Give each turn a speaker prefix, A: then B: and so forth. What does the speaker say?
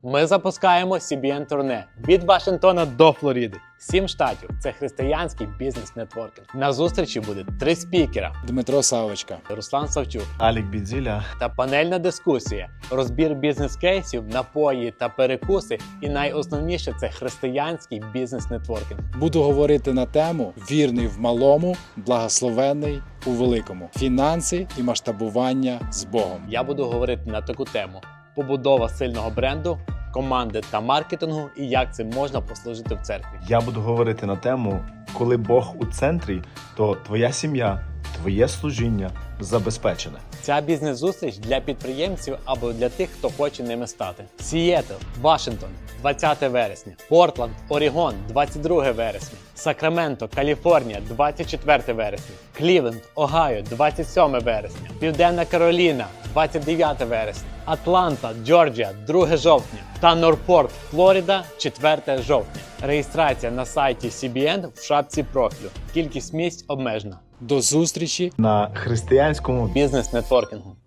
A: Ми запускаємо CBN турне від Вашингтона до Флориди. 7 штатів – це християнський бізнес-нетворкінг. На зустрічі буде 3 спікера:
B: Дмитро Савочка,
A: Руслан Савчук
C: Алік Бідзіля
A: та панельна дискусія, розбір бізнес-кейсів, напої та перекуси. І найосновніше – це християнський бізнес-нетворкінг.
B: буду говорити на тему «Вірний в малому, благословенний у великому. Фінанси і масштабування з Богом».
A: Я буду говорити на таку тему: побудова сильного бренду, команди та маркетингу, і як цим можна послужити в церкві.
C: Я буду говорити на тему, коли Бог у центрі, то твоя сім'я, твоє служіння забезпечене.
A: Ця бізнес-зустріч для підприємців або для тих, хто хоче ними стати. Сієтл, Вашингтон, 20 вересня. Портланд, Орегон, 22 вересня. Сакраменто, Каліфорнія, 24 вересня. Клівленд, Огайо, 27 вересня. Південна Кароліна, 29 вересня. Атланта, Джорджія, 2 жовтня. Та Норпорт, Флорида, 4 жовтня. Реєстрація на сайті CBN в шапці профілю. Кількість місць обмежена.
B: До зустрічі!
C: На християнському
A: Бізнес-нетворкінгу.